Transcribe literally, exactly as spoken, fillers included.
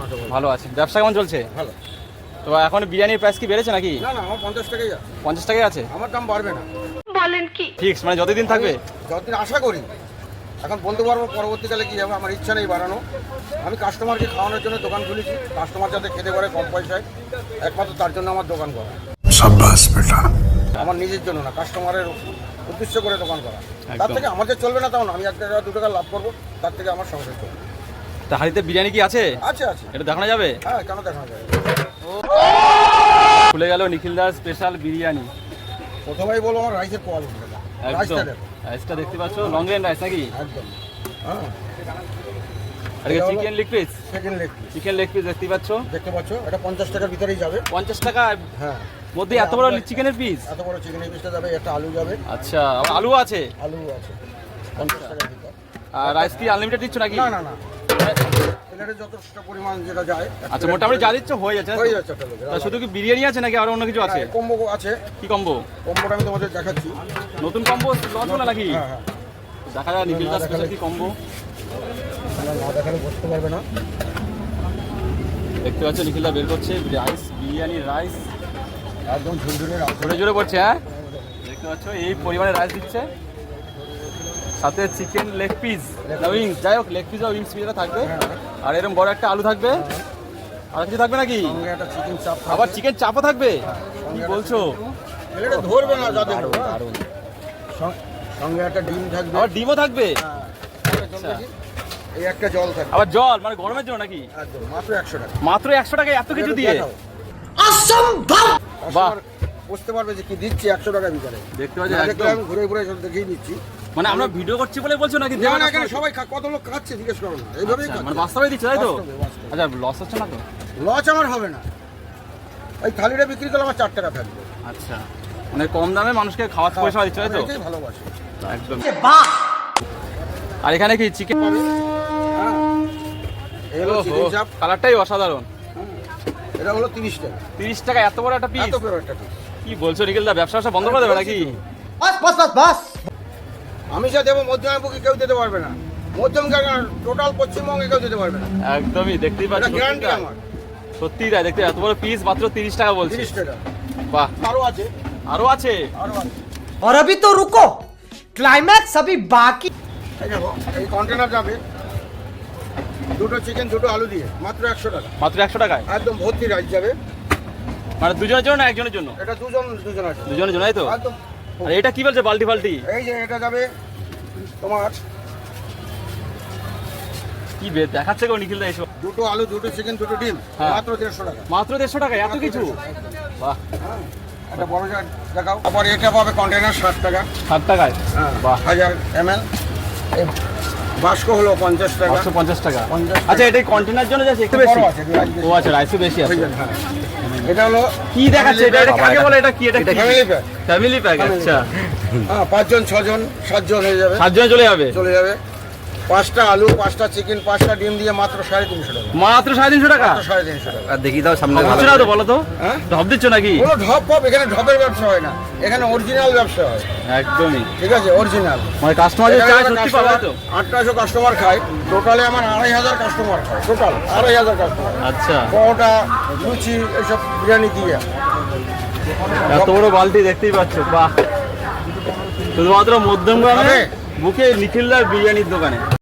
ভালো আছে। ব্যবসা কেমন চলছে? ভালো। তো এখন বিরিয়ানির প্রাইস কি বেড়েছে নাকি? না না, আমার পঞ্চাশ টাকাই আছে। পঞ্চাশ টাকাই আছে? আমার দাম বাড়বে না। বলেন কি? ফিক্স মানে যতদিন থাকবে? যতদিন আশা করি। এখন বলতে পারবো পরবর্তীকালে কি হবে, আমার ইচ্ছা নেই বাড়ানো। আমি কাস্টমারকে খাওয়ানোর জন্য দোকান খুলেছি, কাস্টমার যাতে খেতে পারে কম পয়সায়, একমাত্র তার জন্য আমার দোকান করা। শাবাশ বেটা। আমার নিজের জন্য না, কাস্টমারের উদ্দেশ্য করে দোকান করা। তার একদম। থেকে আমাদের চলবে না তাও না, আমি এক টাকা দু টাকা লাভ করবো, তার থেকে আমার সংসার চলবে। তা হাড়িতে বিরিয়ানি কি আছে? আছে আছে। এটা দেখানো যাবে? হ্যাঁ, কেন দেখানো যাবে। খুলে গেল নিখিল দাস স্পেশাল বিরিয়ানি। প্রথমেই বলবো আমার রাইসের কোয়ালিটি। একদম রাইসটা দেখো। রাইসটা দেখতে পাচ্ছ, লং রেঞ্জ রাইস নাকি? একদম। হ্যাঁ, আর এটা chicken leg piece. Second leg piece chicken leg piece দেখতে পাচ্ছ, দেখতে পাচ্ছ, এটা পঞ্চাশ টাকার ভিতরেই যাবে। পঞ্চাশ টাকা হ্যাঁ, মধ্যে এত বড় চিকেনের পিস? এত বড় চিকেনের পিসটা যাবে, একটা আলু যাবে। আচ্ছা, আবার আলু আছে? আলু আছে পঞ্চাশ টাকার ভিতর। আর রাইস কি আনলিমিটেড দিচ্ছ নাকি? না না না, প্লেটে যথেষ্ট পরিমাণ যেটা যায়। আচ্ছা, মোটামুটি যা দিচ্ছ হয়ে যাচ্ছে না তো? হয়ে যাচ্ছে একটা লোকের। তা শুধু কি বিরিয়ানি আছে নাকি আর অন্য কিছু আছে? কম্বো আছে। কি কম্বো? কম্বোটা আমি তোমাদের দেখাচ্ছি। নতুন কম্বো লঞ্চ হলো নাকি? হ্যাঁ হ্যাঁ, দেখা যায় নিখিল দাস স্পেশাল কি কম্বো। তোমরা না দেখালে বুঝতে পারবে না। দেখতে পাচ্ছ নিখিল দা বের করছে রাইস, বিরিয়ানি রাইস একদম ঝুলঝুলের আছে। জোরে জোরে পড়ছে। হ্যাঁ, দেখতে পাচ্ছ এই পরিমাণে রাইস দিচ্ছে, সাথে চিকেন লেগ পিস, উইংস, যাই হোক লেগ পিস আর উইংস পিসটা থাকবে, আর এরকম বড় একটা আলু থাকবে। আর কিছু থাকবে নাকি? সঙ্গে একটা চিকেন চাপ থাকবে। আবার চিকেন চাপও থাকবে? কি বলছো? প্লেটে ধরবে না যা দেবো। সঙ্গে- সঙ্গে একটা ডিম থাকবে। আবার ডিমও থাকবে? হ্যাঁ, আচ্ছা। এই একটা জল থাকবে। আবার জল মানে গরমের জন্য নাকি? একদম মাত্র একশো টাকা। মাত্র একশো টাকায় এত কিছু দিয়ে? অসম্ভব। বাহ। বুঝতে পারবে যে কি দিচ্ছি একশো টাকা ভিতরে। দেখতে পাচ্ছ না দেখলে একদম। আমি ঘুরে ঘুরে সব দেখিয়ে দিচ্ছি। মানে আমরা ভিডিও করছি বলে বলছো নাকি? না না, এখানে সবাই খা- কত লোক খাচ্ছে জিজ্ঞেস করো না, এইভাবেই আচ্ছা, মানে খাচ্ছে। বাস্তবে দিচ্ছে তাই তো? বাস্তবে, বাস্তবে। আচ্ছা, লস হচ্ছে না তো? লস আমার হবে না। ওই থালিটা বিক্রি করলে আমার চার টাকা থাকবে। আচ্ছা, মানে কম দামে মানুষকে খাওয়ার পয়সা দিচ্ছে তাই তো? এটাই ভালোবাসি। একদম। আর এখানে কি চিকেন? হ্যাঁ, এই হলো চিকেন চাপ। কালারটাই অসাধারণ। এটা হলো তিরিশ টাকা। তিরিশ টাকা এত বড় একটা পিস? এত বড় একটা piece। কি বলছো নিখিল দা, ব্যবসা ব্যবসা বন্ধ করে দেবে নাকি? আমি যা দেবো মধ্যমবঙ্গে কেউ দিতে পারবে না। মধ্যম টোটাল পশ্চিমবঙ্গে কেউ দিতে পারবে না। একদমই, দেখতেই এটা পাচ্ছি গ্যারান্টি আমার। সত্যি তাই। দেখতে এত বড় পিস মাত্র তিরিশ টাকা বলছি। তিরিশ টাকা। বাহ, আরো আছে, আরো আছে? আরো আছে। और अभी तो रुको, क्लाइमैक्स अभी बाकी। এই দেখো, এই কন্টেনার যাবে দুটো চিকেন দুটো আলু দিয়ে মাত্র একশো টাকা। মাত্র একশো টাকায়? একদম ভর্তি রাইস যাবে। মানে দুজনের জন্য না একজনের জন্য? এটা দুজন দুজন আছে। দুজনের জন্য তাই তো? একদম। আর এটা কি বলছে বাল্টি ফাল্টি? এই যে এটা যাবে তোমার কি বে- দেখাচ্ছে গো নিখিল দা এসব? দুটো আলু দুটো চিকেন দুটো ডিম হ্যাঁ। মাত্র দেড়শো টাকা। মাত্র দেড়শো টাকায় এত কিছু? বাহ, হ্যাঁ, একটা বড় জার দেখাও। আবার এটা পাবে কন্টেনার ষাট টাকা। ষাট টাকায়? হ্যাঁ, বাহ। হাজার এম এল। বাস্ক হলো পঞ্চাশ টাকা। একশো পঞ্চাশ টাকা। পঞ্চাশ টাকা। আচ্ছা, এটা কন্টেনার জন্য যাচ্ছে একটু বেশি? বড় আছে, rice বেশি। ও আচ্ছা, রাইসও বেশি আছে। হ্যাঁ। এটা হলো কি দেখাচ্ছে এটা? এটা কাকে বলে? এটা কি? এটা ফ্যামিলি প্যাক। Family pack? আচ্ছা, হ্যাঁ, পাঁচজন ছজন সাতজন হয়ে যাবে। সাতজনে চলে যাবে? চলে যাবে। পাঁচটা আলু পাঁচটা চিকেন পাঁচটা ডিম দিয়ে মাত্র সাড়ে তিনশো টাকা। মাত্র সাড়ে তিনশো টাকা? মাত্র সাড়ে তিনশো টাকা। আর দেখি দাও সামনে হচ্ছে না তো, বলো তো? হ্যাঁ, ঢপ দিচ্ছ নাকি? কোনো ঢপ ফপ এখানে ঢপের ব্যবসা হয় না, এখানে অরিজিনাল ব্যবসা হয়। একদমই, ঠিক আছে, অরিজিনাল। মানে কাস্টমার যে চায় সত্যি পাবে তো? আটটাশো কাস্টমার খায় টোটালে, আমার আড়াই হাজার কাস্টমার খায় টোটাল আড়াই হাজার কাস্টমার। আচ্ছা, পরোটা লুচি এইসব বিরিয়ানি দিয়ে। এত বড় বালতি দেখতেই পাচ্ছ। বাহ, শুধুমাত্র মধ্যমগ্রামে হবে? বুকে নিখিলদার বিরিয়ানির দোকানে।